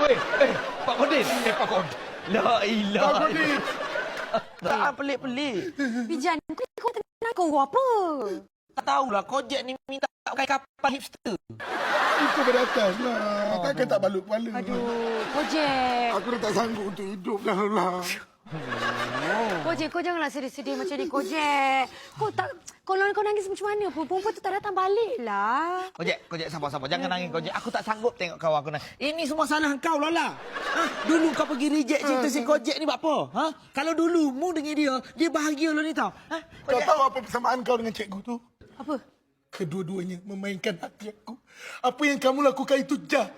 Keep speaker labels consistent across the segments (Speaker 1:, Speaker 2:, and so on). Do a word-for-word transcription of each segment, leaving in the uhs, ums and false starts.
Speaker 1: Eh, eh, Pak Kodin. Eh, Pak Kodin. La ilah.
Speaker 2: Pak Kodin.
Speaker 3: Tak pelik-pelik.
Speaker 4: Bijan, kau, kau tenang kau apa?
Speaker 3: Tak tahulah Kojek ni minta pakai kapal hipster.
Speaker 2: Itu beratas lah. Takkan tak balut kepala.
Speaker 4: Aduh, Kojek.
Speaker 2: Aku dah tak sanggup untuk hidup dah lah.
Speaker 4: Kojek, kau janganlah sedih-sedih macam ni, Kojek. Kau tak... Kalau kau nangis macam mana pun, perempuan tu tak datang balik lah.
Speaker 3: Kojek, Kojek sabar-sabar. Jangan nangis Kojek. Aku tak sanggup tengok kawan aku nangis. Ini semua salah kau, Lola. Ha? Dulu kau pergi reject cerita si Kojek ni buat apa? Ha? Kalau dulu mu dengan dia, dia bahagia lo ni tau. Ha?
Speaker 2: Kau tahu apa persamaan kau dengan cikgu tu?
Speaker 4: Apa?
Speaker 2: Kedua-duanya memainkan hati aku. Apa yang kamu lakukan itu jahat.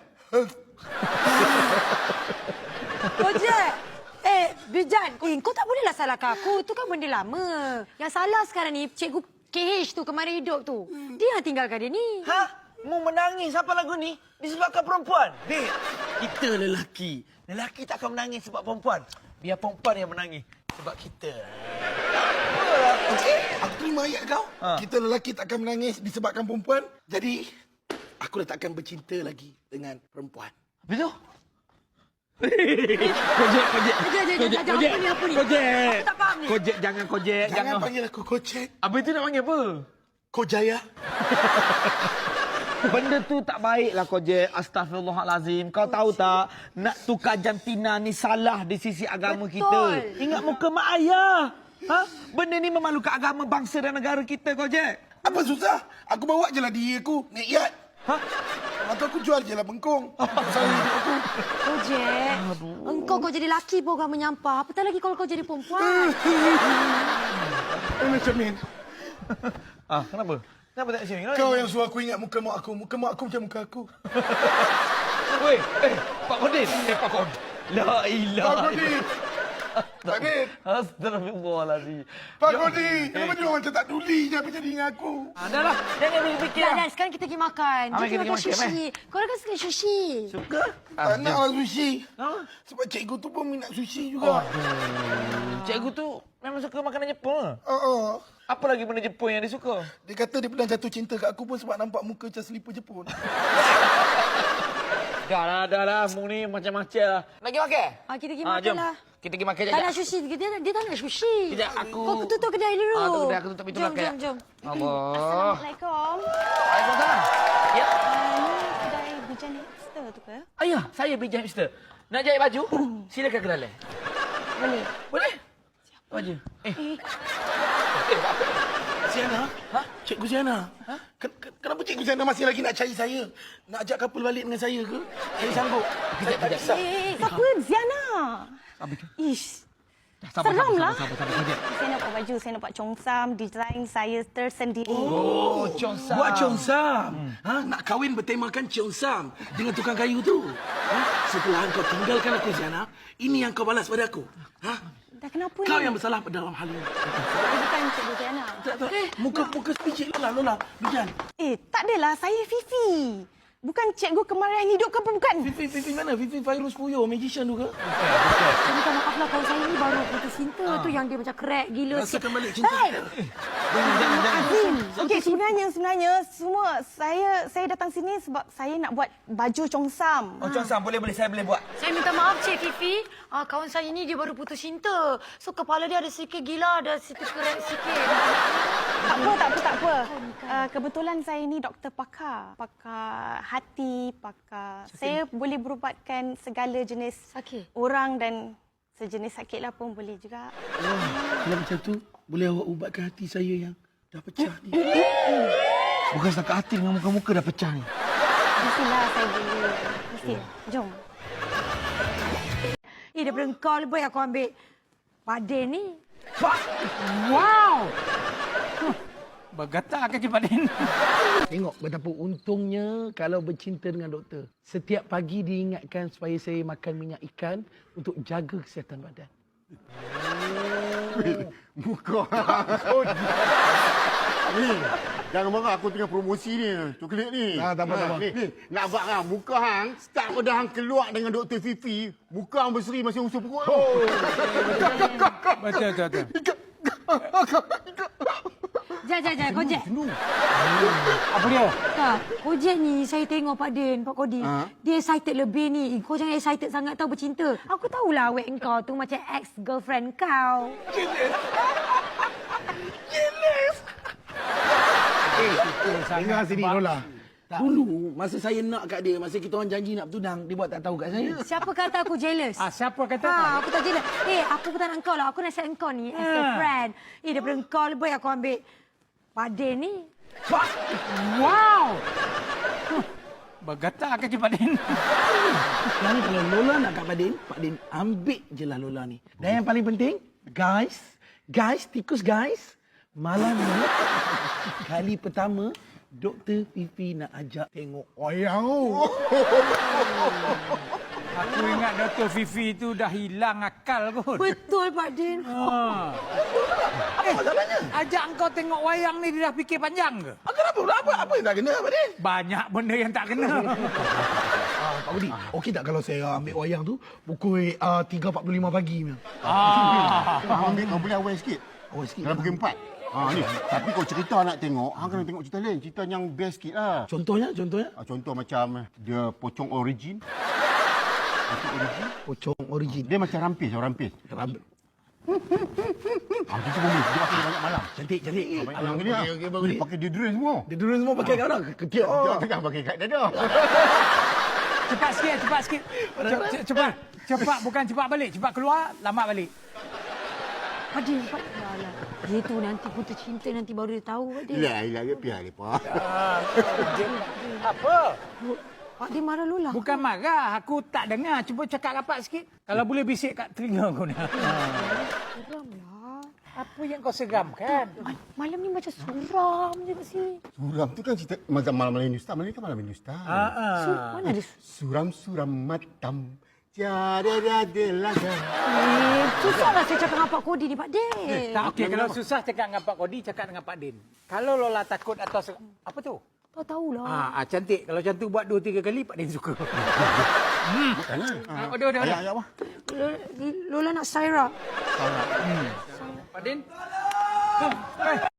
Speaker 4: Kojek! Eh, Bijan, eh, kau tak bolehlah salahkan aku. Itu kan benda lama. Yang salah sekarang ni, cikgu K H tu, kemarin hidup tu. Dia yang tinggalkan dia ni.
Speaker 3: Ha? Mu menangis apa lagu ni? Disebabkan perempuan. Dek, kita lelaki. Lelaki tak akan menangis sebab perempuan. Biar perempuan yang menangis sebab kita.
Speaker 2: Okey, aku terima ayat kau.
Speaker 3: Ha.
Speaker 2: Kita lelaki takkan menangis disebabkan perempuan. Jadi, aku dah takkan bercinta lagi dengan perempuan.
Speaker 3: Betul?
Speaker 1: Kojek, Kojek.
Speaker 4: Kojek, Kojek, Kojek, apa ni, apa ni?
Speaker 1: Kojek.
Speaker 4: Aku tak faham ni.
Speaker 1: Kojek, jangan Kojek.
Speaker 2: Jangan,
Speaker 1: Jangan.
Speaker 2: panggil aku Kojek.
Speaker 1: Apa itu nak panggil apa?
Speaker 2: Kojaya.
Speaker 3: Benda tu tak baiklah Kojek. Astaghfirullahalazim. Kau tahu tak, nak tukar jantina ni salah di sisi agama
Speaker 4: Betul.
Speaker 3: kita. Ingat muka mak ayah. Ha? Benda ni memalukan agama bangsa dan negara kita, Kojek.
Speaker 2: Apa susah? Aku bawa je lah diri aku. Naik yacht.
Speaker 3: Ha?
Speaker 2: Atau aku jual je lah bengkong. Pasal hidup aku.
Speaker 4: Kojek, engkau kau jadi laki pun kau menyampah. Apatah lagi kalau kau jadi perempuan.
Speaker 2: Eh, macam ni.
Speaker 3: Ah, kenapa? Kenapa tak sini?
Speaker 2: Kau yang suruh aku ingat muka mak aku. Muka mak aku macam muka aku.
Speaker 1: Weh, eh, Pak Kodin. Eh, Pak Kodin. La ilah.
Speaker 2: Pak Kodin. Pak Kodin.
Speaker 3: Astagfirullahalazim.
Speaker 2: Pak Kodin. Kenapa dia orang macam tak duli je apa jadi dengan aku?
Speaker 1: Ah, dah lah. Jangan fikir.
Speaker 4: Dan, dan sekarang kita pergi makan.
Speaker 3: Ah,
Speaker 4: Jom
Speaker 3: kita
Speaker 4: kita makan
Speaker 3: pergi makan,
Speaker 4: sushi. Kau kan suka sushi.
Speaker 3: Suka?
Speaker 2: Tak nak lah sushi.
Speaker 3: Ha?
Speaker 2: Sebab cikgu tu pun minat sushi juga.
Speaker 3: Cikgu tu memang suka makanan Jepun.
Speaker 2: Oh, oh.
Speaker 3: Apa lagi benda Jepun yang dia suka?
Speaker 2: Dia kata dia pernah jatuh cinta kat aku pun sebab nampak muka macam selipar Jepun.
Speaker 1: Dah lah, dah lah. Mu ni macam-macam lah.
Speaker 3: Nak pergi makan?
Speaker 4: Ah, kita pergi
Speaker 1: Ah,
Speaker 4: makan
Speaker 1: jom.
Speaker 4: lah.
Speaker 1: Kita pergi makan
Speaker 4: Tak
Speaker 1: sekejap.
Speaker 4: nak sushi. Dia, dia tak nak sushi.
Speaker 1: Sekejap, aku...
Speaker 4: Kau tutup kedai dulu.
Speaker 1: Ah, tutup kedai, aku tutup pintu
Speaker 4: jom,
Speaker 1: belakang.
Speaker 4: Jom, jom,
Speaker 1: Allah.
Speaker 4: Assalamualaikum.
Speaker 1: Waalaikumsalam. Ya.
Speaker 4: Ah, ni kedai Bijan Hipster tu ke?
Speaker 1: Ayah, saya Bijan Hipster. Nak jahit baju? Silakan ke dalam.
Speaker 4: Boleh.
Speaker 1: Boleh? Baju. Eh,
Speaker 4: Eh,
Speaker 2: Siana?
Speaker 1: Ha?
Speaker 2: Cikgu Siana? Ha? Ken- ken- Kenapa Cikgu Siana masih lagi nak cari saya? Nak ajak couple balik dengan saya ke? Saya sanggup. Saya tak bisa.
Speaker 4: eh, eh, siapa? Ziana.
Speaker 1: apa tu?
Speaker 4: Ish.
Speaker 1: Dah, sabar,
Speaker 4: Seram
Speaker 1: sabar,
Speaker 4: lah.
Speaker 1: Sabar, sabar, sabar.
Speaker 5: Saya nak buat baju, saya nak buat congsam, desain saya tersendiri.
Speaker 1: Oh, Chongsa.
Speaker 2: Buat Cheongsam. Ha? Nak kahwin bertemakan Cheongsam dengan tukang kayu tu. Ha? Setelah kau tinggalkan aku, Siana, ini yang kau balas pada aku. Ha?
Speaker 5: Dah kenapa
Speaker 2: Kau
Speaker 5: ni?
Speaker 2: yang bersalah dalam hal ini.
Speaker 5: Saya bukan Cikgu Ziana.
Speaker 2: Tak, tak. Muka muka sepicik Lola, Lola. Bijan.
Speaker 5: Eh, tak adalah. Saya Fifi. Bukan cikgu kemarahan hidup ke apa bukan?
Speaker 2: Fifi, Fifi mana? Fifi Fairuz Puyo, magician tu ke?
Speaker 4: Saya minta maaf lah kawan saya ni baru putus cinta tu yang dia macam crack gila.
Speaker 2: Rasakan balik cinta.
Speaker 5: Hey!
Speaker 1: Jangan, jangan, jangan.
Speaker 5: Azim. Okey, sebenarnya sebenarnya semua saya saya datang sini sebab saya nak buat baju congsam.
Speaker 3: Oh, Cheongsam, boleh boleh saya boleh buat.
Speaker 4: Saya minta maaf Cik Fifi. Ah, kawan saya ni dia baru putus cinta. So kepala dia ada sikit gila, ada sikit crack sikit.
Speaker 5: Tak apa, tak apa, tak apa. Uh, kebetulan saya ni doktor pakar. Pakar hati, pakar... Saya boleh berubatkan segala jenis
Speaker 4: Sakit?
Speaker 5: orang dan sejenis sakit lah pun boleh juga.
Speaker 2: Kalau macam tu, boleh awak ubatkan hati saya yang dah pecah ni.
Speaker 3: Bukan setakat hati dengan muka-muka dah pecah ni.
Speaker 5: Mestilah saya boleh. Mesti. Jom.
Speaker 4: Eh, daripada kau lebih aku ambil Padin ni.
Speaker 1: Wow. Bergatal kan Cik Padin.
Speaker 2: Tengok betapa untungnya kalau bercinta dengan doktor. Setiap pagi diingatkan supaya saya makan minyak ikan untuk jaga kesihatan badan.
Speaker 6: Muka. Ni, jangan marah aku tengah promosi ni, coklat ni.
Speaker 2: Ah, tak apa, tak apa.
Speaker 6: Ni, ni, nak buat kan, muka hang, start pada hang keluar dengan Doktor Fifi, muka hang berseri masih usul perut. Oh.
Speaker 1: Betul, betul, betul.
Speaker 4: Jap, jap, jap. Kojek.
Speaker 1: Apa dia?
Speaker 4: Tak, Kojek ni saya tengok Pak Din, Pak Kodi.
Speaker 6: Ha?
Speaker 4: Dia excited lebih ni. Kau jangan excited sangat tau bercinta. Aku tahulah awet kau tu macam ex-girlfriend kau.
Speaker 2: Dengar sini Lola. Dulu masa saya nak kat dia, masa kita orang janji nak bertunang, dia buat tak tahu kat saya.
Speaker 4: Siapa kata aku jealous?
Speaker 1: Ah, siapa kata?
Speaker 4: Ha, aku tak jealous. Eh, aku bukan nak engkau lah. Aku nasihat engkau ni as a
Speaker 1: Ah.
Speaker 4: friend. Eh, daripada engkau lebih aku ambil Pak Din ni.
Speaker 1: Wow! Bergetar ke Pak Din?
Speaker 2: Sekarang kalau Lola nak kat Pak Din, Pak Din ambil je lah Lola ni. Dan yang paling penting, guys, guys, tikus guys, malam ni, kali pertama, Doktor Fifi nak ajak tengok wayang.
Speaker 1: Aku ingat Doktor Fifi tu dah hilang akal kot.
Speaker 4: Betul, Pak Din.
Speaker 1: Ha.
Speaker 2: Apa salahnya?
Speaker 1: Ajak engkau tengok wayang ni dia dah fikir panjang ke?
Speaker 2: Ah, kenapa? Apa, apa yang tak kena, Pak Din?
Speaker 1: Banyak benda yang tak kena.
Speaker 2: Ah, Pak Budi, okey tak kalau saya ambil wayang tu pukul uh, tiga empat puluh lima pagi?
Speaker 1: ah.
Speaker 6: Hang ambil, kau boleh awal sikit.
Speaker 2: Awal sikit.
Speaker 6: Dalam pukul empat. Ha, ni. Tapi kau cerita nak tengok, hang kena tengok cerita lain. Cerita yang best sikit lah.
Speaker 2: Contohnya, contohnya?
Speaker 6: Ha, contoh macam dia pocong origin. Pocong origin.
Speaker 2: Pocong origin.
Speaker 6: Dia macam rampis, orang rampis.
Speaker 2: Ram-
Speaker 6: Ha, kita boleh. Dia pakai banyak malam.
Speaker 2: Cantik, cantik.
Speaker 6: Yang ni lah. Boleh pakai deodorant semua.
Speaker 2: Dia dulu semua pakai kat orang. Ketiak.
Speaker 6: Dia
Speaker 2: Oh.
Speaker 6: tengah pakai kat dada.
Speaker 1: Cepat sikit, cepat sikit. Ce- ce- Cepat. Cepat, bukan cepat balik. Cepat keluar, lambat balik.
Speaker 4: Pak Din, Pak Din. Alah. Dia tu nanti putus cinta nanti baru dia tahu, Pak Din.
Speaker 6: Lah, ilah ke piar dia, Pak.
Speaker 1: Apa?
Speaker 4: Pak Din marah Lola.
Speaker 1: Bukan marah. Aku tak dengar. Cuba cakap rapat sikit. Kalau boleh bisik kat telinga kau ni.
Speaker 4: Geramlah.
Speaker 1: Apa yang kau seramkan?
Speaker 4: Malam ni macam suram je kat sini.
Speaker 6: Suram tu kan cerita macam malam-malam Hindustan. Malam ni kan malam Hindustan.
Speaker 4: Su, mana ada su?
Speaker 6: Suram-suram matam. Tiada ada laga.
Speaker 4: Eh, susahlah saya cakap dengan Pak Kodi ni, Pak Din.
Speaker 1: Tak, okey. Kalau susah cakap dengan Pak Kodi, cakap dengan Pak Din. Kalau Lola takut atau... se- Apa tu?
Speaker 4: Tak tahulah.
Speaker 1: Ah, ah, cantik. Kalau macam tu buat dua, tiga kali, Pak Din suka. hmm. Ah, udah, udah, udah.
Speaker 6: Ayah, ayah, apa?
Speaker 4: Lola, Lola nak Syra.
Speaker 1: Pak Din? Eh,